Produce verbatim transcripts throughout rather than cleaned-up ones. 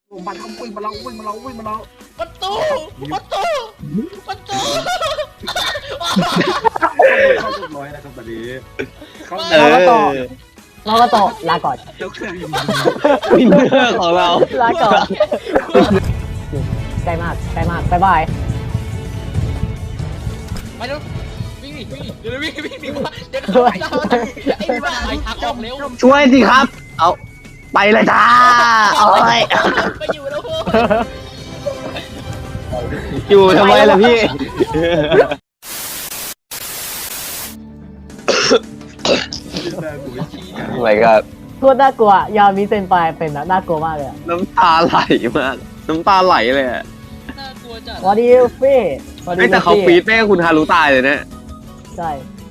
มันเอาวิ่งมาเราวิ่งมาเราวิ่งมาเราประตูประตูประตูเข้าเรียบร้อยนะครับตอนนี้เขาเออเราก็ตกลาก่อนเจ้าเครื่องอยู่วินเนอร์ของเราลาก่อนใกล้มากใกล้มากบ๊ายบายไปเร็ววิ่งดิวิ่งดิเดี๋ยววิ่งวิ่งดิวะเดี๋ยวเข้าไปแล้วไอ้บ้าไอ้ทางออกเร็วช่วยสิครับ เอาไปเลยจ้าโอ้ยไปอยู่แล้วพวกอยู่ทำไมล่ะพี่ ทำไมครับโคตรน่ากลัวยามีเซนไปเป็นนะน่ากลัวมากเลยน้ำตาไหลมาก น้ำตาไหลเลยอะน่ากลัวจัดวอดี้ฟี่ไม่แต่เขาฟีดแม่คุณฮารุตายเลยนะใช่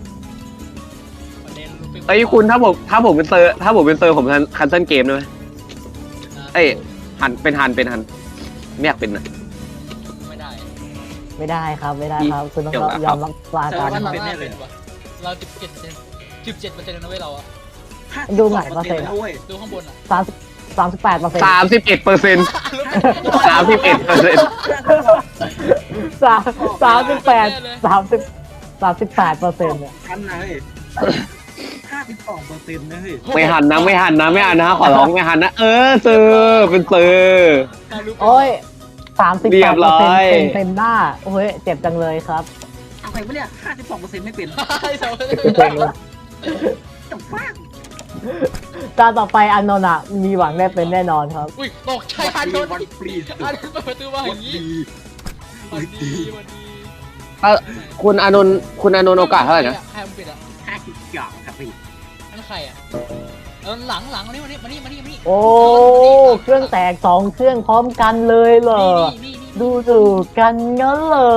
ไอ้ยคุณถ้าผมถ้าผมเป็นเซอร์ถ้าผมเป็นเซอร์ผมคันเซิลเกมได้ไหมเอ้ยหันเป็นหันเป็นหันไม่อยากเป็นนะไม่ได้ไม่ได้ครับไม่ได้ครับคุณต้องเดี๋ยวนะยอมรับลาแต่ก่อนว่าเราเป็นวะเราสิบเจ็ดเปอร์เซ็นต์สิบเจ็ดเปอร์เซ็นต์นะเว้ยเราอะดูหน่อยเปอร์เซ็นต์นะเว้ยดูข้างบนอะสามสามสิบแปดเปอร์เซ็นต์สามสิบเอ็ดเปอร์เซ็นต์สามสิบเอ็ดเปอร์เซ็นต์สามสามสิบแปดสามสิบสามสิบแปดเปอร์เซ็นต์เนี่ยทันนะเฮ้ยห้าสิบสองเปอร์เซ็นต์นะเฮ้ยไม่หันนะไม่หันนะไม่หันนะขอร้องไม่หันนะเออเซอร์เป็นเซอร์โอ้ยสามสิบเรีแปยดบเปร้อร์อเซ็นยต์เต็มเต็มหน้าโอ้ยเจ็บจังเลยครับเอาไปปะเนี่ยห้าสิบสองเปอร์เซ็นต์ไม่เป็นไอ้สองจับฟ้างตาต่อไปอันนนท์อะมีหวังได้เป็นแน่นอนครับอุ้ยตกใจอันโดนวันฟรีอันโดนเปิดประตูมาอวัย่าน งนี้ดีวันดีวันดีเออคุณอานนท์คุณอานนท์โอกาสเท่าไหร่นะใครมันปิดอะห้าสิบเก้าครับพี่นั่นใครอะเออหลังหลังมานี่มานี่มานี่มานี่มานี่โอ้เครื่องแตกสองเครื่องพร้อมกันเลยเหรอนี่นี่นี่ดูดูกันงั้นเหรอ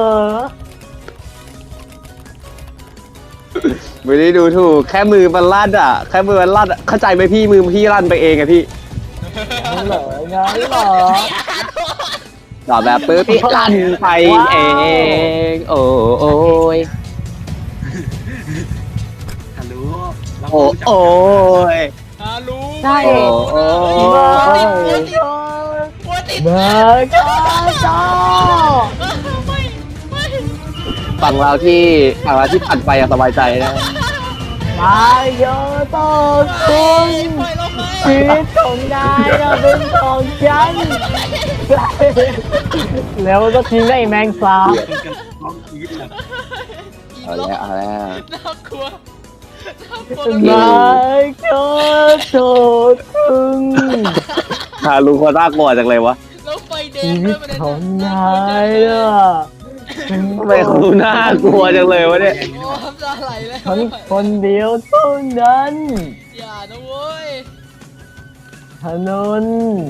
ไม่ได้ดูถูกแค่มือมันลั่นอ่ะแค่มือมันลั่นอะเข้าใจไหมพี่มือพี่ลั่นไปเองอะพี่งั้นเหรองั้นเหรอต่อแบบปื๊บพี่ลั่นไปเองโอ้โอ้ยฮัลโหลเราโอ้โอ้ยฮาลูใช่โอ้โอ้เบอร์ติดเกหัวติดเบอร์เกอร์จ้าไม่ไม่ฝั่งเราที่ฝั่งเราที่ผ่านไปอะสบายใจนะมาโยโตคุณปล่อยเราไปชีวิตของนายจะเป็นของฉันแล้วก็ทิ้งได้แมงสาบเป็นกันร้องกรี๊ดเลยเอาแล้วเอาแล้วน่ากลัวน่ากลัวมาโยโตคุณฮารุเขาน่ากลัวจังเลยวะแล้วไฟแดชีงวิด้วตยมันของนายอ่ะทำไมเขาน่ากลัวจังเลยวะเนี่ยโอ้น้ำตาไหลแล้วฉันคนเดียวเท่านั้นอย่านะเว้ยถนน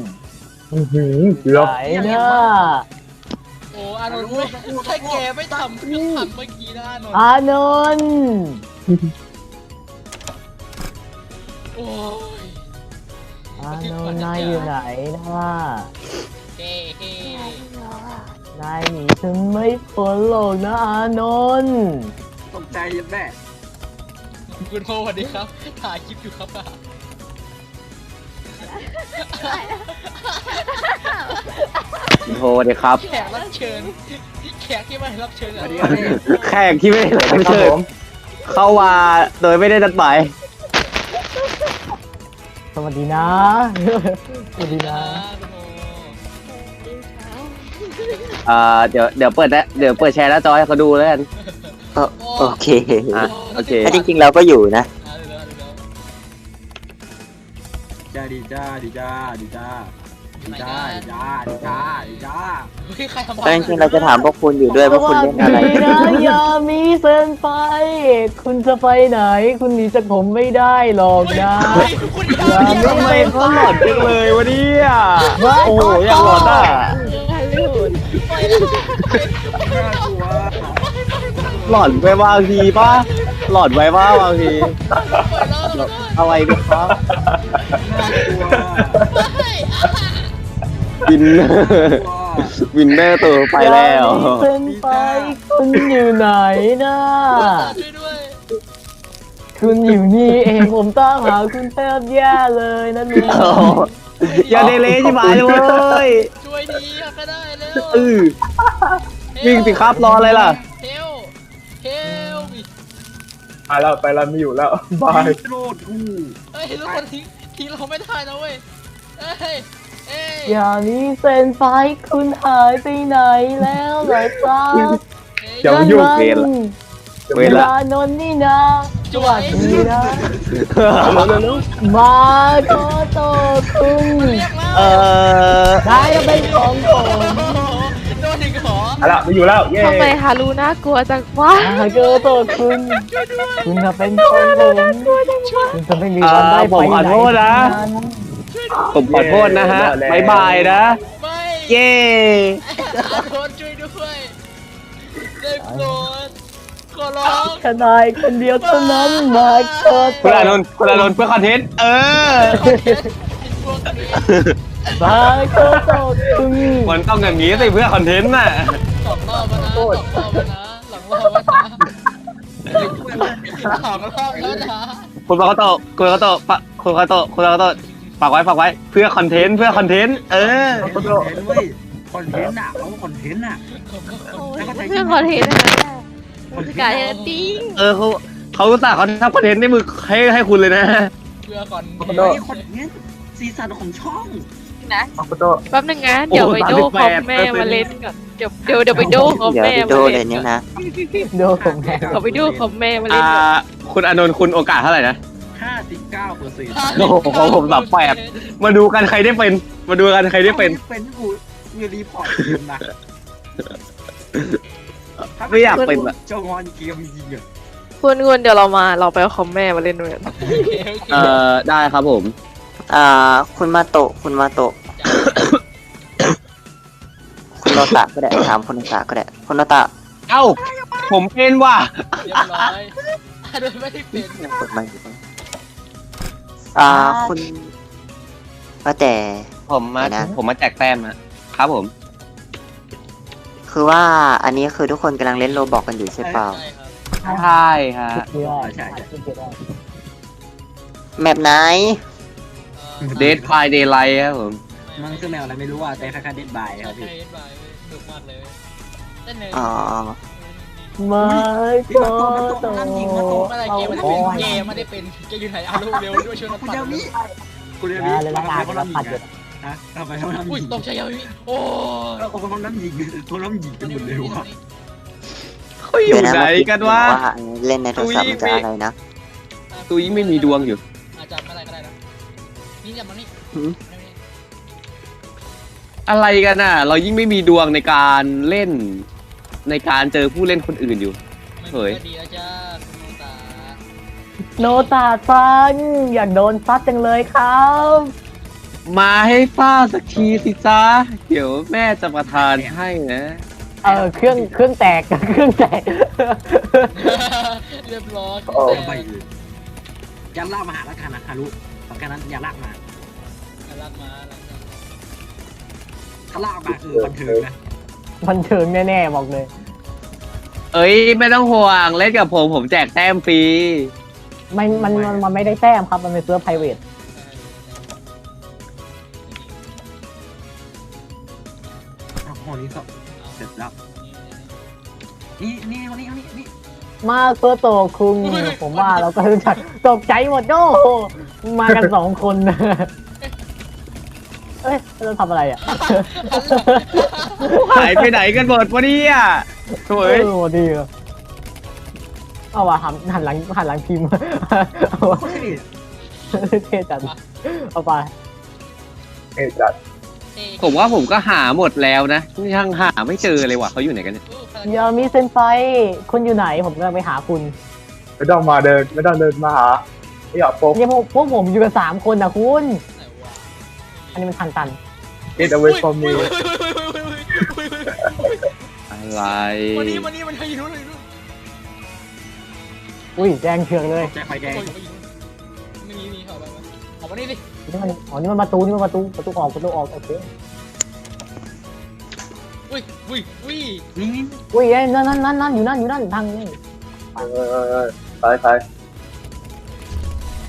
ไหนนะโอ้อานนท์ไม่ถ้าแกไม่ทำเครื่องทำเมื่อกี้นะอานนท์อานนท์โอ้ยอานนท์นายอยู่ไหนนะเฮ้เฮ้นายหนีฉันไม่พ้นหรอกนะอานนท์ตกใจยันแม่คุณโฮสวัสดีครับถ่ายคลิปอยู่ครับอ่ะโทรเลยครับแขกรับเชิญแขกที่มารับเชิญสอะวัสดีครับพี่แขกที่ไม่ได้รับเชิญเข้ามาโดยไม่ได้นัดหมายสวัสดีนะ สวัสดีนะคุณโฮอ่าเดี๋ยวเดี๋ยวเปิดนะเดี๋ยวเปิดแชร์หน้าจอให้เขาดูแล้วกันโอเคอ่ะโอเคถ้าจริงๆเราก็อยู่นะอ่าเดี๋ยวเดี๋ยวเดี๋ยวจ้าดีจ้าดีจ้าดีจ้าดีจ้าดีจ้าดีจ้าดีจ้าเฮ้ยใครทำถ้าจริงๆเราจะถามพวกคุณอยู่ด้วยว่าคุณเล่นอะไรสวัสดีนะยามีเซนไป คุณจะไปไหน คุณหนีจากผมไม่ได้หรอกนะเฮ้ยคุณยาอย่ามีทำไมเขาหลอนจังเลยวะเนี่ยว้ายโอ้โหอยากหลอนอ่ะน่ากลัวหลอนไปบางทีป่ะหลอนไปบ้างบางทีอะไรดีครับน่ากลัววินเนอร์วินเนอร์ตัวไปแล้วยามีเซนไป คุณอยู่ไหนนะช่วยด้วยคคุณอยู่นี่เองผมตามหาคุณแทบแย่เลยนั่นเองโอ้โหอย่าเดเลยชิบหายเลยเว้ยช่วยดีก็ได้เร็วเออวิ่งสิครับรออะไรล่ะเฮลเฮลไปแล้วไปแล้วไม่อยู่แล้วบายโลดกูเฮ้ยทุกคนทิ้งทิ้งเราไม่ได้นะเว้ยเอ้ยเอ้ยอย่ามีเซนไฟคุณหายไปไหนแล้วเหรอจ๊ะเดี๋ยวยุ่งเวรละ เวเวรละลานนท์นี่นะจวยดีนะมาโตโตคุณเรียกแล้วเออได้ก็เป็นของผมโดนอีกเหรอเอาละไม่อยู่แล้วเย้ทำไมฮารุน่ากลัวจังวะมาโตโตคุณ คุณจะเป็นของผมคุณจะไม่มีวันได้ไปไหนผมขอโทษนะฮะบายบายนะไม่เย้อาโดนช่วยด้วยได้โปรดขอร้องแค่นายคนเดียวเท่านั้นมาโตโตคุณอานนท์คุณอานนท์เพื่อคอนเทนต์เออพวกนี้มาโตโตคุณมันต้องอย่างนี้สิเพื่อคอนเทนต์น่ะสองรอบแล้วนะสองรอบแล้วนะหลังรอบแล้วนะสองรอบแล้วนะคุณปากโตะคุณปากโตะปะคุณปากโตะคุณปากโตะฝากไว้ฝากไว้เพื่อคอนเทนต์เพื่อคอนเทนต์เออคอนเทนต์เว้ยคอนเทนต์อ่ะเขาคอนเทนต์อ่ะเรื่องคอนเทนต์นะคะกายติ้งเออเขาเขาอุตส่าห์เขาทำคอนเทนต์ในมือให้ให้คุณเลยนะเพื่อก่อนเฮ้ยคอนเทนต์ซีซั่นของช่องนะคอนโตแป๊บนึงนะเดี๋ยวไปโดคอมแม่มาเล่นก่อนเดี๋ยวเดี๋ยวเดี๋ยวไปโดคอมเดี๋ยวแม่วิมาดีโอเลเล่ยนเนี่ยนะดูผมแม่เขาไปโดคอมแม่มาเล่อ่านก่อนคุณอานนท์คุณโอกาสเท่าไหร่นะห้าสิบเก้าเปอร์เซ็นต์โอ้โหของผมสามแปด มาดูกันใครได้เป็น มาดูกันใครได้เป็นเป็นกูมีรีพอร์ตเกมนะไม่อยากเป็นอะเจ้างอนเกมยิงอ่ะคุณคุณเดี๋ยวเรามาเราไปเอาคอมแม่มาเล่นด้วยกันเอ่อได้ครับผมอ่า คุณมาโตะคุณมาโตะคุณโนตะก็ได้ถามคุณโนตะก็ได้คุณโนตะเอ้า ผมเป็นว่ะเรียบร้อยโดยไม่ได้เป็นยังกดมาอยู่ปะอ่า คุณว่าแต่ผมมาไหนนะผมมาแจกแต้มอะครับผมคือว่าอันนี้คือทุกคนกำลังเล่นโรบอกกันอยู่ใช่เปล่าใช่ครับใช่ฮะเชื่อใช่ใช่แมปไหนเดทไฟเดย์ไลท์ครับผมมันคือแมวอะไรไม่รู้อ่ะแต่คล้ายๆเด็ดบายครับพี่ใช่บายดุมากเลยเต้นเลยอ๋อมาโตโตเมื่อไรเกมมันจะเป็นเกมไม่ได้เป็นเกมอยู่ไหนเอาลูกเร็วด้วยช่วยนัดคุณปัดยามิคุณยามามิเลยละกันเขาเราน้ำปัดยิอง ยู่ฮะทำไมเขาน้ำอุ้ยยิงตกใจยาวิโอ้เราเขาน้ำยิงเขาน้ำยิงกันหมดเลยว่ะเขาอยู่ไหนกันวะว่าเล่นในโทรศัพท์มันจะอะไรนะตุยไม่มีดวงอยู่อาจจะอะไรก็ได้นะนี่จับมานี่อะไรกันน่ะ เรายิ่งไม่มีดวงในการเล่น ในการเจอผู้เล่นคนอื่นอยู่ เฮ้ยดีแล้วจ้าคุณตาโนตาซันอยากโดนซัดจังเลยครับมาให้ป้าสักทีสิจ้าเดี๋ยวแม่จะประทานให้นะเออเครื่องเครื่องแตกเครื่องแตกเรียบร้อยโอ้ไปเลยยันลากมาหาแล้วกันนะฮารุสำคัญนั้นอย่าลากมาลากมาลากมาถ้าลากมาคือบันเทิงนะมันเชิงแน่ๆบอกเลยเอ้ยไม่ต้องห่วงเล่นกับผมผมแจกแต้มฟรีมันมันมันมันไม่ได้แต้มครับมันเป็นเซิร์ฟไพรเวทอ้าวโหนี่ก็เสร็จแล้วนี่นี่นี่นี่นี่มาเพื่อโตคุงผมว่าเราก็รู้จักตกใจหมดโอ้โหมากันสองคนเอ้ยเราทำอะไรอ่ะหายไปไหนกันหมดวะเนี่ยโถ่เอเอ้ยอดีอะเอาว่ะหันหันหลังหันหลังพิมพ์เอาว่ะเท่จัดเอาไปผมว่าผมก็หาหมดแล้วนะยังหาไม่เจอเลยว่ะเขาอยู่ไหนกันเนี่ยยามีเซนไฟคุณอยู่ไหนผมกำลังไปหาคุณไม่ต้องมาเดินไม่ต้องเดินมาหาไม่อยากโป๊กเนี่ยพวกพวกผมอยู่กันสามคนนะคุณ อันนี้มันทันตัน get away from me อะไรวันนี้วันนี้มันอยู่นู่นอยู่นู่นอุ้ยแดงเถืองเลยใจไฟแดงไม่มีมีเขาไปออกมานี่ดินี่มันอ๋อนี่มันประตูนี่มันประตูประตูออกประตูออกโอเคอุ้ยอุ้ยอุ้ยนี่นี่อุ้ยเอ้ยนั่นนั่นนั่นนั่นอยู่นั่นอยู่นั่นทางนี่เออเออเออไปไป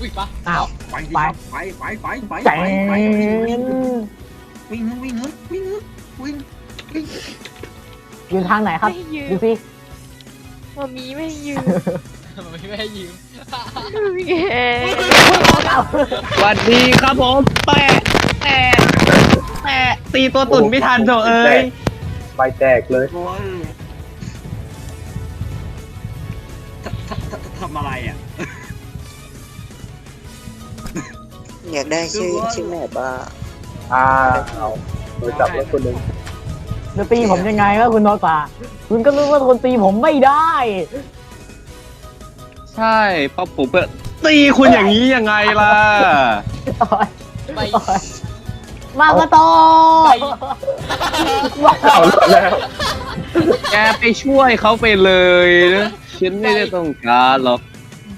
อุ้ยปะอ้าวไปดิไปไปไปไปไปแจไปไปนวิ่งวิ่งวิ่งวิ่งวิ่งอยู่ทางไหนครับไม่ยืมดูสิมามีไม่ยืมมันไม่ให้ยืมพี่เอสวัสดีครับผมแปะแปะแปะตีตัวตุ่นไม่ทันโถเอ้ยไปแจกเลยโอ้ยทำทำทำอะไรอ่ะอยากได้ชื่อชื่อแม่บ้าอ้าวโดนจับแล้วคนหนึ่งจะตีผมยังไงวะคุณโนตาคุณก็รู้ว่าคนตีผมไม่ได้ใช่เพราะผมเปิดตีคุณอย่างนี้ยังไงล่ะไปมากระโตเอาแล้วแกไปช่วยเขาไปเลยนะฉันไม่ได้ต้องการหรอกไป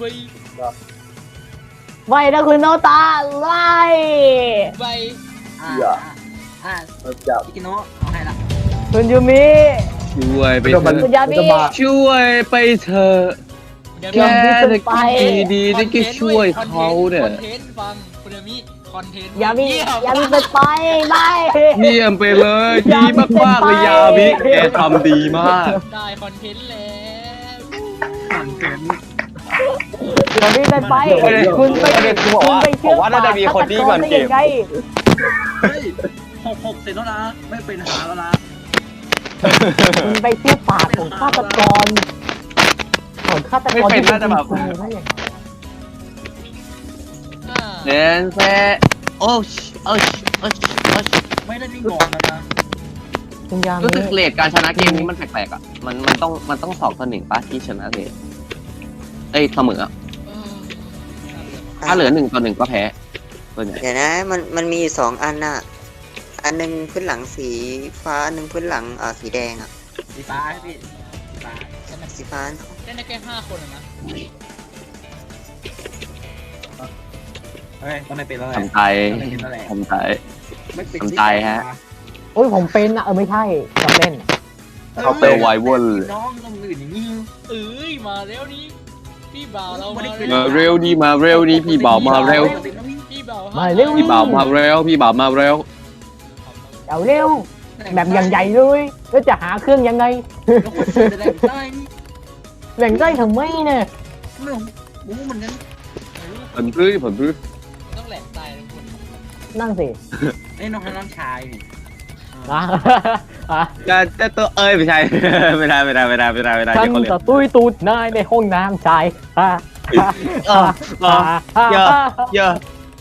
ไม่นะคุณโนตาไล่ไปอ่าอ่าโดนจับพี่กิโนะเอาให้ละคุณยูมิช่วยไปไม่ต้องเถมันอะคุณยามิจะมาช่วยไปเถอะเดี๋ยวแกมีจะคิดดีๆที่จะช่วยเขาเนี่ยคอนเทนต์ฟังคุณยามิคอนเทนต์ยามิเยี่ยมยามิเป็นไปไม่เยี่ยมไปเลยดีมากๆเลยยามิแกทำดีมากได้คอนเทนต์แล้วผ่านเกินยามิเป็นไปประเด็นคุณไปประเด็นคือบอกว่าคุณไปเชื่อผมว่าน่าจะมีคนที่ก่อนเกมฆาตรได้ยังไงเฮ้ยหกหกเสร็จแล้วนะไม่เป็นหาแล้วนะคุณไปเชื่อปากของฆาตกรของฆาตกรไม่เป็นน่าจะแบบคุณได้ยังไงอ่าเดนเซโอ้ชโอ้ชโอ้ชโอ้ชไม่ได้วิ่งก่อนแล้วนะคุณยามิรู้สึกเลทการชนะเกมนี้มันแปลกๆอ่ะมันมันต้องมันต้องสองต่อหนึ่งป่ะที่ชนะเลทเอ้ยเสมออะเออถ้าเหลือหนึ่งต่อหนึ่งก็แพ้ส่วนใหญ่เดี๋ยวนะมันมันมีอยู่สองอันน่ะ อันหนึ่งพื้นหลังสีฟ้าอันหนึ่งพื้นหลังอ่าสีแดงอ่ะสีฟ้าพี่สีฟ้าสีฟ้าเล่นได้แค่ห้าคนอะนะเฮ้ยก็ไม่เป็นแล้วแหละทำใจก็ไม่เป็นแล้วแหละทำใจไม่เป็นทำใจฮะโอ้ยผมเป็นอะเออไม่ใช่จำเล่นเขาเปไวเวอร์น้องต้องอื่นอย่างนี้เอ้ยมาแล้วนี่พี่บ่าวเรามามาเร็วดีมาเร็วดีพี่บ่าวมาเร็วพี่บ่าวมาเร็วพี่บ่าวมาเร็วพี่บ่าวมาเร็วเอาเร็วแบบอย่างใหญ่เลยแล้วจะหาเครื่องยังไงแล้วคนซื้อได้ได้นี่แหล่งได้ทำไมเนี่ยไม่รู้รู้เหมือนกันผมรื้อผมรื้อต้องแหลกตายทุกคนนั่งสิไอ้น้องน้องชายนี่อ่ะอ่ะจะจะตัวเอ้ยไม่ใช่ ไม่ได้ไม่ได้ไม่ได้ไม่ได้ไม่ได้ฉันเดี๋ยวเขาเรียจะกตุ้ยตูดนายในห้องน้ำชายอ่ะอ่ะเออเออ เยอะ เยอะ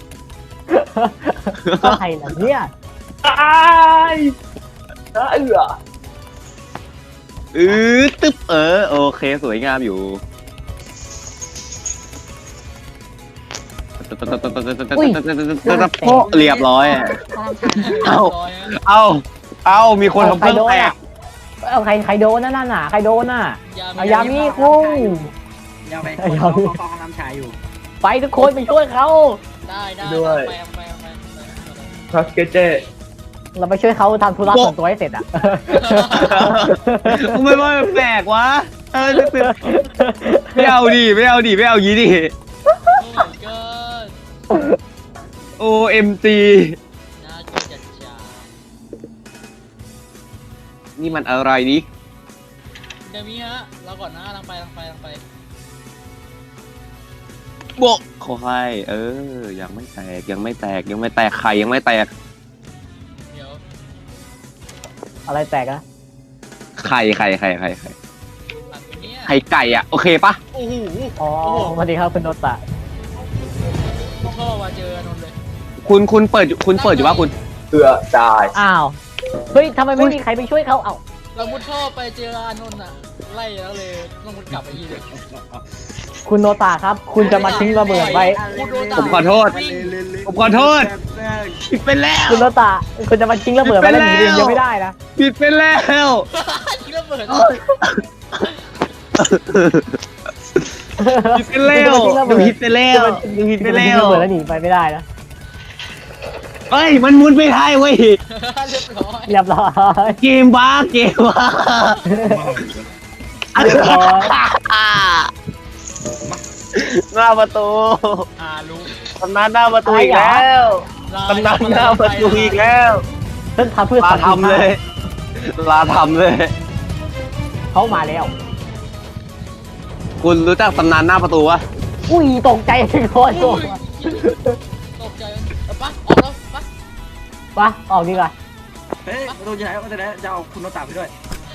ก็ใครล่ะเนี่ยตายเออตึ๊บเออโอเคสวยงามอยู่โป๊ะเรียบร้อยอะ เอ้าร้อยอะเอาเอามีคนทำเครื่องแตกเอาใครใครโดนนั่นน่ะใครโดนน่ะยาเอายามีคุ้งยาวไปคนเขาเขาเขาน้ำชายอยู่ไปทุกคนไปช่วยเขาได้ได้ด้วยไปไปไปไปทัสเกเจเราไปช่วยเขาทำธุระส่วนตัวให้เสร็จอ่ะไม่ว่าแปลกวะเออไม่เอาดิไม่เอาดิไม่เอายีดิโอ้ my god โอเอ็มจีน่ากินจัดจ้านี่มันอะไรนี่เดี๋ยวมีฮะเราก่อนนะลังไปลังไปลังไปโบกเขาให้เออ ยังไม่แตกยังไม่แตกยังไม่แตกไข่ยังไม่แตกเดี๋ยวอะไรแตกอะไข่ไข่ไข่ไข่ไข่หลังตัวเนี้ยไข่ไก่อ่ะโอเคปะโอ้โหอ๋อสวัสดีครับคุณโนตะพ่อมาเจออนนท์เลยคุณคุณเปิดอยู่คุณเปิดอยู่ว่าคุณเพื่อตายอ้าวเฮ้ยทำไมไม่มีใครไปช่วยเขาเอ้าเรามุดท่อไปเจออานนท์อ่ะไล่แล้วเลยต้องมุดกลับไปที่เดิมคุณโนตะครับ คุณจะมาทิ้งระเบิดไว้ผมขอโทษ ผมขอโทษผิดไปแล้วคุณโนตะคุณจะมาทิ้งระเบิดไว้แล้วหนีเรียนยังไม่ได้นะผิดไปแล้วทิ้งระเบิดผิดไปแล้วดูผิดไปแล้วดูผิดไปแล้ทิ้งวระเบิดแล้วหนีไปไม่ได้นะเฮ้ยมันมุดไม่ได้เว้ยเรียบร้อยเรียบร้อยเกมบ้าเกมบ้าเรียบร้อยหน้าประตูอ่ารู้ตำนานหน้าประตูอีกแล้วตำนานหน้าประตูอีกแล้วฉันทำเพื่อลาสันติภาพทำเลย ลาทำเลยเขามาแล้วคุณรู้จักตำนานหน้าประตูวะอุ้ยตกใจถึงคอโยอุ้ยตกใจเอาปะออกแล้วปะปะออกดีกว่าเฮ้ยประตูจะไหนประตูจะไหนจะเอาคุณโนตาไปด้วย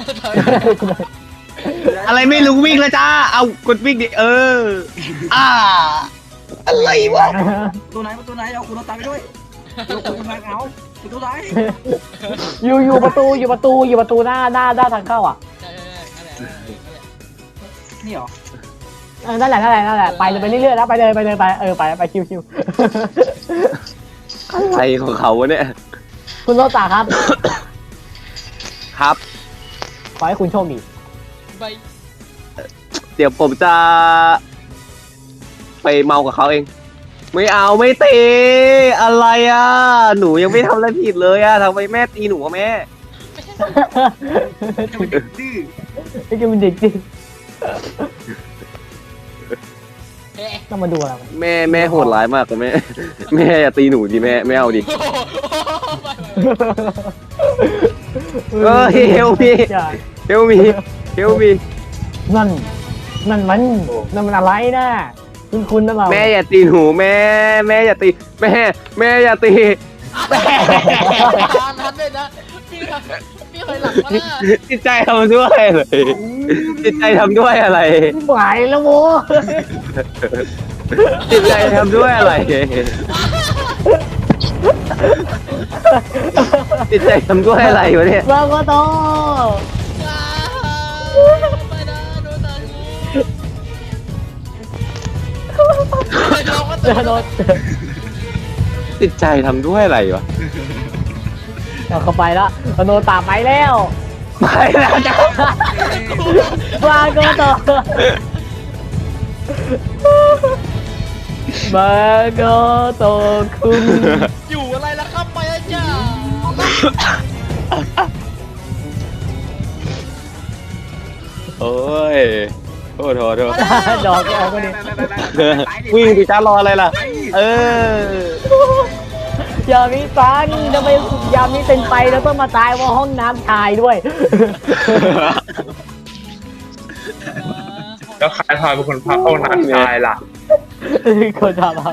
อะไรไม่รู้วิ่งแล้วจ้า เอากดวิ่งดิเออ อ่า อะไรวะประตูไหนประตูไหนเอาคุณโนตาไปด้วยเอาคุณมาเอาประตูไหนอยู่อยู่ประตูอยู่ประตูอยู่ประตูหน้าหน้าด้านทางเข้าอ่ะใช่ใช่ใช่นั่นแหละนั่นแหละนี่เหรอเออนั่นแหละนั่นแหละนั่นแหละไปเลยไปเรื่อยๆแล้วไปเลยไปเลยไปเออไปไปคิวคิวอะไรของเขาวะเนี่ยคุณโรตาครับครับขอให้คุณโชคดีใบเดี๋ยวผมจะ ไปเมากับเขาเอง ไม่เอาไม่ตีอะไรอ่ะ หนูยังไม่ทำอะไรผิดเลยอ่ะทำไมแม่ตีหนูอะแม่จะเป็นเด็กดื้อไอ้แกเป็นเด็กจริงเอ๊ะต้องมาดูอะไรแม่แม่โหดร้ายมากเลยแม่ แม่อย่าตีหนูดิแม่ไม่เอาดิโอ้โหไปไปเออเฮลมีเฮลมีเฮลมีนั่นนั่นมันนั่นมันอะไรนะคุณคุณนะเราแม่อย่าตีหนูแม่ แม่อย่าตีแม่ แม่อย่าตีแม่ทานทันเลยนะพี่พี่เคยหลับมาแล้วจิตใจทำด้วยอะไรจิตใจทำด้วยอะไรหมายแล้วโมจิตใจทำด้วยอะไร จิตใจทำด้วยอะไรวะเนี่ยเราก็โตไปนะโดนตาเราก็เจตื่อน โดนจิตใจทำด้วยอะไรวะเราเข้าไปแล้วโดนตามไปแล้วไปแล้วจ้ะมาก็โตมาก็โตคุณอยู่อะไรล่ะครับไปแล้วจ้าโอ้ยโทษโทษโทษดอกออกก็ดีวิ่งดิจ้ารออะไรล่ะ เอออย่ามีฟันทำไมยามนี้เป็นไปแล้วต้องมาตายว่าห้องน้ำชายด้วยแล้วใครพาเป็นคนพาเข้าน้ำชายล่ะคนทำอะไร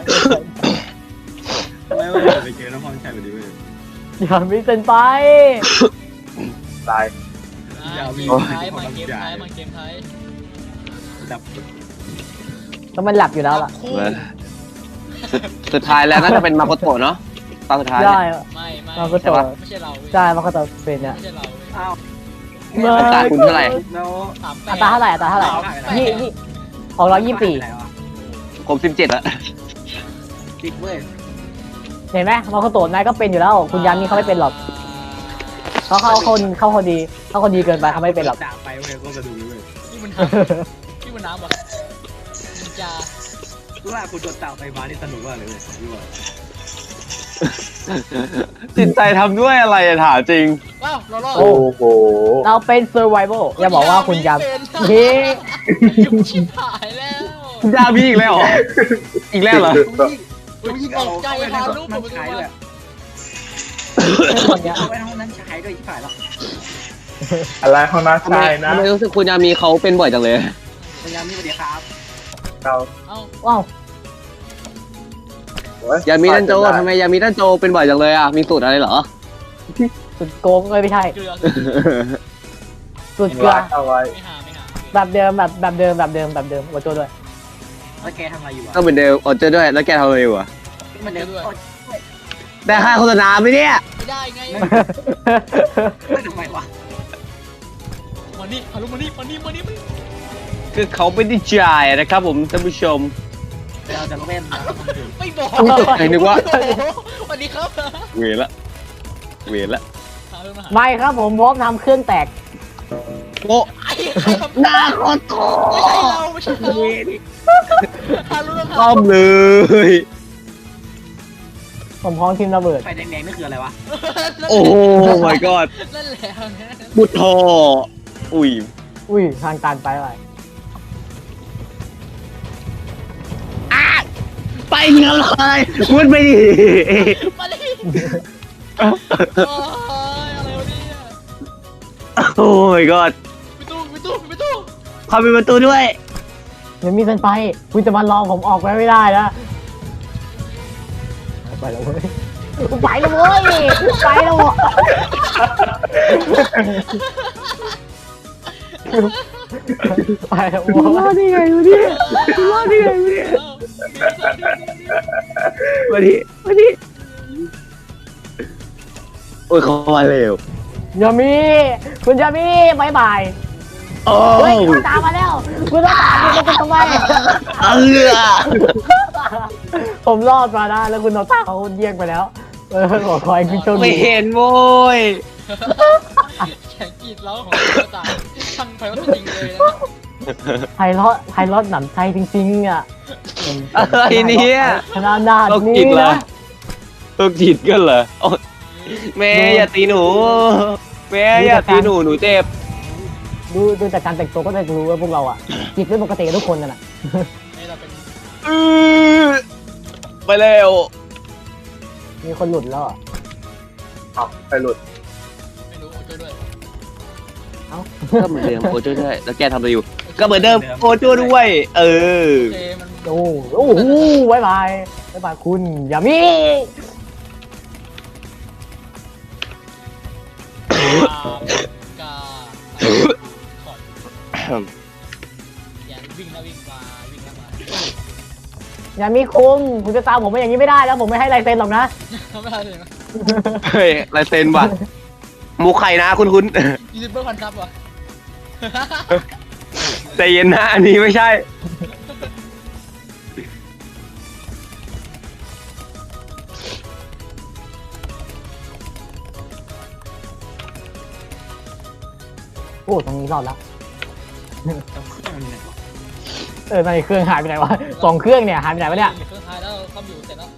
ไม่ว่าไปเจอน้องพรชัยพอดีเว้ยอย่ามีเป็นไปตายเกมท้ายมาเกมท้ายมาเกมท้ายดับแล้วมันหลับอยู่แล้วล่ะคู่สุดท้ายแล้วน่าจะเป็นมาโคโตะเนาะตอนสุดท้ายได้เนี่ยไม่ไม่มันก็ใช่จะปะไม่ใช่เราใช่มันก็จะเป็นเนี่ยไม่ใช่เราอ้าวอัตราคุณเท่าไหร่แล้วสามแปอัดตราเท่าไหร่อัตราเท่าไหร่ยี่ยี่ของเรายี่สิบสี่ผมสิบเจ็ดอะติดเว้ยเห็นไหมมาโคโตะนายก็เป็นอยู่แล้ว คุณยามีเขาไม่เป็นหรอกเขาเข้าคนเข้าคนดีเข้าคนดีเกินไปเขาไม่เป็นหรอกด่าไปเว้ยก็จะดูเว้ยพี่บุญน้ำพี่บุญน้ำบอกนินจารู้ว่าคุณโดนด่าไปมานี่สนุกมากเลยเว้ยรู้ว่าจิตใจทำด้วยอะไรอะถามจริงว้าวเรารอดโอ้โอ้โหเราเป็น survival อย่าบอกว่าคุณยามเป็นเฮ้ยุบชิบหายแล้วยามีอีกแล้วเหรอ อีกแล้วเหรอต้องยิงเอาเข้าไปในห้องนั้นชายด้วยคนเนี้ยเอาไปในห้องนั้นชายด้วยที่ฝ่ายหรออะไรห้องน้ำทำไมชายนะทำไมรู้สึกคุณยามีเขาเป็นบ่อยจังเลยพยายามนี่สวัสดีครับเราเอ้าว้าวโอ้ยามีดันโจทำไมยามีดันโจเป็นบ่อยจังเลยอะมีสูตรอะไรเหรอสุดโกงเลยไม่ใช่เกลือสุดยิงเกลือร้านเอาไว้ไม่หาไม่หาแบบเดิมแบบแบบเดิมแบบเดิมแบบเดิมวัวโจด้วยแล้วแกทำอะไรอยู่ก็อ่ะเหมือนเดิมอดเจอด้วย แล้วแกทำอะไรอยู่อะมันเดินได้ค่าโฆษณาไหมเนี่ยไม่ได้ไงไม่ทำไมวะมานี่ฮารุมานี่มานี่มานี่มานี่คือเขาไม่ได้จ่ายนะครับผมท่านผู้ชมเราจะเล่นไม่บอกอุ๊ยตกใจนึกว่าโอ้โหสวัสดีครับเวรละ เวรละหาเรื่องมาหาไม่ครับผมพร้อมทำเครื่องแตกโอ้ไอ้ใครทำหน้าโคตรโตไม่ใช่เราไม่ใช่เราหาเรื่องหาต้อมเลยผมพร้อมทีมระเบิดไฟแดงๆนี่คืออะไรวะโอ้ my god นั่นแหละนะบุตรทออุ้ยอุ้ยทางตันไปอะไรมึงทำอะไรพูดไปดิมาดิโอ้ยอะไรวะเนี่ยโอ้ยกอดประตูประตูประตูเข้าไปประตูด้วยยังมีเซนไปคุณจะมารอผมออกไปไม่ได้นะไปแล้วเว้ยไปแล้วเว้ยไปแล้วเว้ยไปแล้วเว้ยรอดได้ไงวะเนี่ยรอดได้ไงวะเนี่ยมาดิมาดิโอ้ยเขามาเร็วยามีคุณยามีบายบายโอ้เฮ้ยคุณตามมาแล้วคุณต้องตามคุณจะทำไมเออผมรอดมาได้แล้วคุณโนต้าเขาเยี่ยงไปแล้วเออขอคอยคุณโชคไม่ดีเห็นโว้ยแข่งกรีดเล้าของกระต่ายช่างไฟว่าจริงเลยนะไพเราะไพเราะหนำใจจริงๆอ่ะอะไรเนี่ยขนาดนาดโรคนี้จิตเหรอนะโรคจิตกันเหรอโอ๊ยแม่อย่าตีหนูแม่อย่าตีหนูหนูเจ็บดูดูจากการแต่งตัวก็จะรู้ว่าพวกเราอ่ะจิตไม่ปกติกับทุกคนนั่นแหละนี่เราเป็นอื้อไปเร็วมีคนหลุดแล้วอะเอาไปหลุดไม่รู้ช่วยด้วยเอ้าก็เหมือนเดิมโอโจ้ด้วยแล้วแกทำอะไรอยู่ ก็เหมือนเดิมโอโจ้ด้วย เออโอเคมันโอ้โอ้โหบายบายบายบายคุณอย่ามีกาขอดอย่าวิ่งนะวิ่งมาวิ่งแล้วมาอย่ามีคุงคุณจะตามผมไปอย่างนี้ไม่ได้แล้วผมไม่ให้ลายเซ็นหรอกนะไม่ได้เลยนะเฮ้ยลายเซ็นว่ะมูไข่นะคุณคุณยูทูบเบอร์พันซับวะใจเย็นนะอันนี้ไม่ใช่โอ้ตรงนี้รอดแล้วเอาเครื่องมันเนี่ยวะเออตอนนี้เครื่องหายไปไหนวะสองเครื่องเนี่ยหายไปไหนวะเนี่ยเครื่องท้ายแล้วซ่อมอยู่เสร็จแล้ว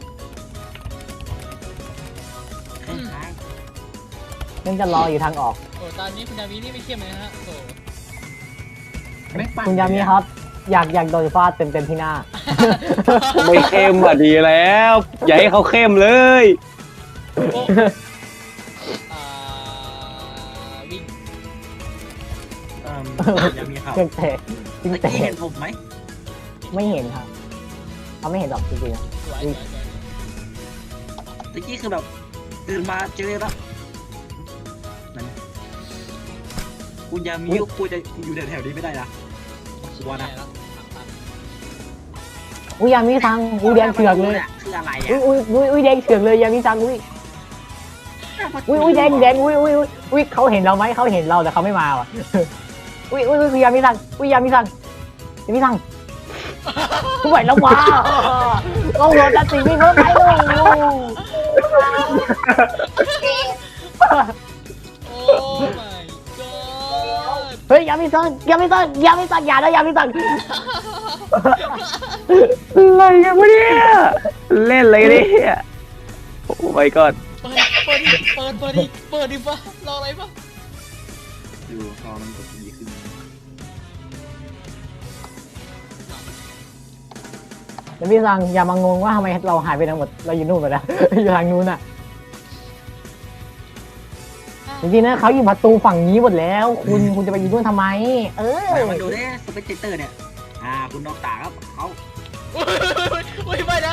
เครื่องท้ายยังจะรออยู่ทางออกโอ้ตอนนี้คุณยามีนี่ไม่เข้มเลยนะฮะโอ้ไม่ปั่นคุณยามีครับ อยากอยากโดนฟาดเต็มเต็มๆที่หน้าไม่เข้มอ่ะดีแล้ว อย่าให้เขาเข้มเลยโอ้อ่าวิ่งเอิ่มยังมีครับเครื่องเตะจริงตะเตะกี้เห็นผมไหมไม่เห็นครับเขาไม่เห็นหรอกจริงๆอะสวยสวยสวยตะกี้คือแบบตื่นมาเจอแล้วนั่นคุณยามีกูจะอยู่แถวๆนี้ไม่ได้นะกลัวนะอุ้ยยามีซังอุ้ยแดงเถือกเลยคืออะไรอุ้ยอ่ะอุ้ยอุ้ยอุ้ยแดงเถือกเลยยามีซังอุ้ยอุ้ยอุ้ยแดงแดงอุ้ยอุ้ยอุ้ยอุ้ยเขาเห็นเราไหมเขาเห็นเราแต่เขาไม่มาว่ะ อุ้ยอุ้ยอุ้ยยามีซังอุ้ยยามีซังยามีซังไหวแล้วว้าเราโดนตัดสินไม่เพิ่มไปเลยโอ้ my god เฮ้ยยามีซังยามีซังยามีซังอย่านะยามีซังอะไรกันวะเนี่ยเล่นอะไรกันเนี่ยโอ้ my god เปิดเปิดดิเปิดเปิดดิเปิดดิฟ้ารออะไรปะอยู่พอมันกดดีขึ้นยามีซังอย่ามางงว่าทำไมเราหายไปทั้งหมดเราอยู่นู่นไปแล้ว อยู่ทางนู้นอ่ะจริงๆนะเขาอยู่ประตูฝั่งนี้หมดแล้ว คุณคุณจะไปอยู่นู่นทำไม เออไหนมาดูดิสเปกเตอร์เนี่ยอ่าคุณนอกตาครับเขาอุ้ยอุ้ยไปนะ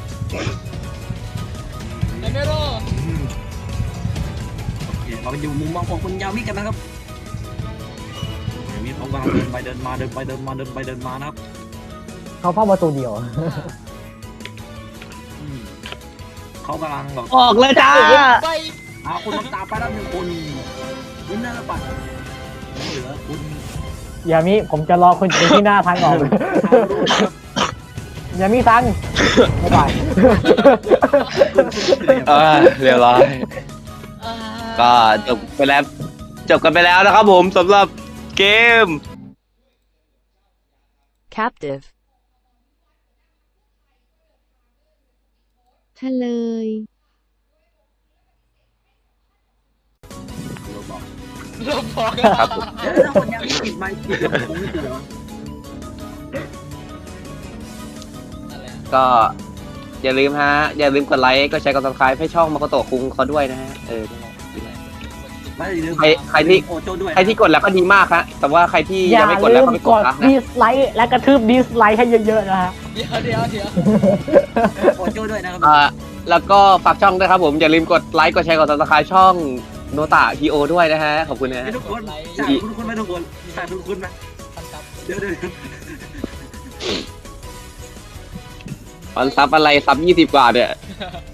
ไอเมโรอืมโอเคเราไปอยู่มุมมองของคุณยามิกันนะครับยามิเขากำลังเดินไปเดินมาเดินไปเดินมาเดินไปเดินมานะครับเขาเฝ้าประตูเดียวอืมเขากำลังแบบออกเลยจ้าไปเอาคุณน้ำตาไปแล้วหนึ่งคนคุณน่าจะปัดเหลือคุณอย่ามีผมจะรอคุณอยู่ที่หน้าทางออกทางรูปครับอย่ามีซังบ๊ายบายเออเรียบร้อย ก็จบไปแล้ว จบกันไปแล้วนะครับผมสำหรับเกม captive ทะเลยเราบอกเราบอกครับผมเดี๋ยวแล้วคนยังไม่ปิดไมค์ปิดแล้วผมไม่ปิดเหรออะไรอะก็อย่าลืมฮะอย่าลืมกดไลค์ก็แชร์กด subscribe ให้ช่องมาโกโตะคุงเขาด้วยนะฮะเออไม่อย่าลืมใครใครที่โอโจด้วยใครที่กดแล้วก็ดีมากฮะแต่ว่าใครที่อย่ายังไม่กดลืแล้วมก็ไม่กกดดนะดิสไลค์และกระทืบดิสไลค์ให้เยอะๆนะฮะเดี๋ยวเดี๋ยวเดี๋ยวโอโจด้วยนะครับอ่าแล้วก็ฝากช่องด้วยครับผมอย่าลืมกดไลค์กดแชร์กด subscribe ช่องโนตะทีโอด้วยนะฮะขอบคุณนะให้ฮะทุกคนฉากคุณคุณไหมทุกคนฉากคุณคุณไหมครับเดี๋ยวเดี๋ยวออนซับอะไรซับยี่สิบกว่าเนี่ยค